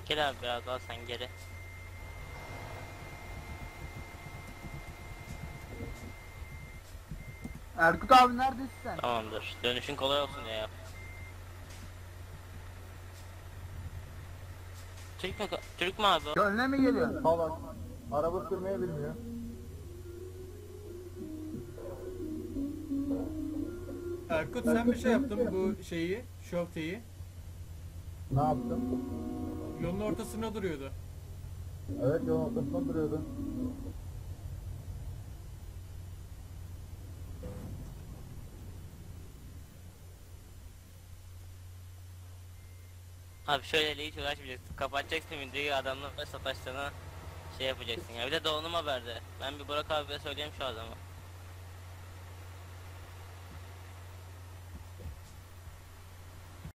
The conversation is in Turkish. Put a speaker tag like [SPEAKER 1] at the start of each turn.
[SPEAKER 1] Gel abi biraz daha sen geri.
[SPEAKER 2] Erkut abi neredesin sen?
[SPEAKER 1] Tamamdır. Dönüşün kolay olsun ya. Türk mü abi o?
[SPEAKER 2] Gönle mi geliyorsun?
[SPEAKER 3] Salak. Araba sürmeyi bilmiyor.
[SPEAKER 4] Erkut sen bir şey yaptın bu şeyi, şofteyi.
[SPEAKER 3] Ne yaptım?
[SPEAKER 4] Yolun ortasına duruyordu.
[SPEAKER 3] Evet, yolun ortasında duruyordu.
[SPEAKER 1] Abi şöyle hiç uğraşmayacaksın. Kapatacaksın videoyu, adamlarla sataştığına şey yapacaksın ya. Bir de donanım haberde. Ben bir Burak abiye söyleyeyim şu adamı.